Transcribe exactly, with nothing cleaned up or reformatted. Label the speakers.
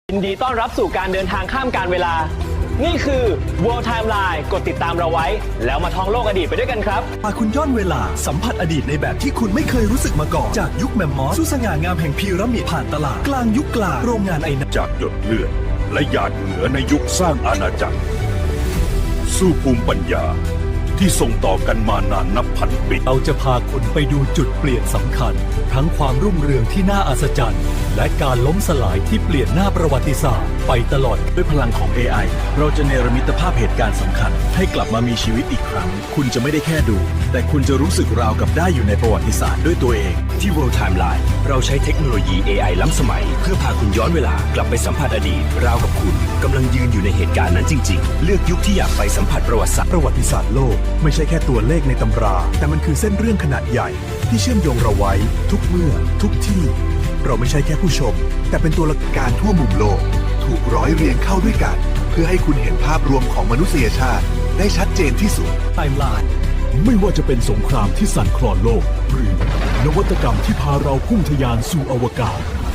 Speaker 1: ยินดีต้อนรับสู่การเดินทางข้ามกาลเวลา นี่คือ World Timeline กดติดตามเราไว้ แล้วมาท่องโลกอดีตไปด้วยกันครับ
Speaker 2: พาคุณย้อนเวลาสัมผัสอดีตในแบบที่คุณไม่เคยรู้สึกมาก่อน จากยุคแมมมอสสู่สง่างามแห่งพีระมิดผ่านตลาดกลางยุคกลางโรงงานไอน้ำ
Speaker 3: จากหยดเลือดและหยาดเหงื่อในยุคสร้างอาณาจักรสู่ภูมิปัญญาที่ส่งต่อกันมานานนับพันปี
Speaker 2: เราจะพาคุณไปดูจุดเปลี่ยนสำคัญ ทั้งความรุ่งเรืองที่น่าอัศจรรย์และการล้มสลายที่เปลี่ยนหน้าประวัติศาสตร์ไปตลอด
Speaker 4: ด้วยพลังของ เอ ไอ เราจะเนรมิตภาพเหตุการณ์สำคัญ ให้กลับมามีชีวิตอีกครั้ง คุณจะไม่ได้แค่ดู แต่คุณจะรู้สึกราวกับได้อยู่ในประวัติศาสตร์ด้วยตัวเอง
Speaker 5: ที่ World Timeline เราใช้เทคโนโลยี เอ ไอ ล้ำสมัย เพื่อพาคุณย้อนเวลากลับไปสัมผัสอดีต ราวกับคุณกำลังยืนอยู่ในเหตุการณ์นั้นจริง ๆ เลือกยุคที่อยากไปสัมผัสประวัติศาสตร์
Speaker 2: ประวัติศาสตร์โลกไม่ใช่แค่ตัวเลขในตำรา แต่มันคือเส้นเรื่องขนาดใหญ่ ที่เชื่อมโยงเราไว้ ทุกเมื่อ ทุกที่ เราไม่ใช่แค่ผู้ชม แต่เป็นตัวละการทั่วมุมโลก ถูกร้อยเรียงเข้าด้วยกัน เพื่อให้คุณเห็นภาพรวมของมนุษยชาติ ได้ชัดเจนที่สุดไทม์ไลน์ไม่ว่าจะเป็นสงครามที่สั่นคลอนโลก หรือนวัตกรรมที่พาเราพุ่งทะยานสู่อวกาศ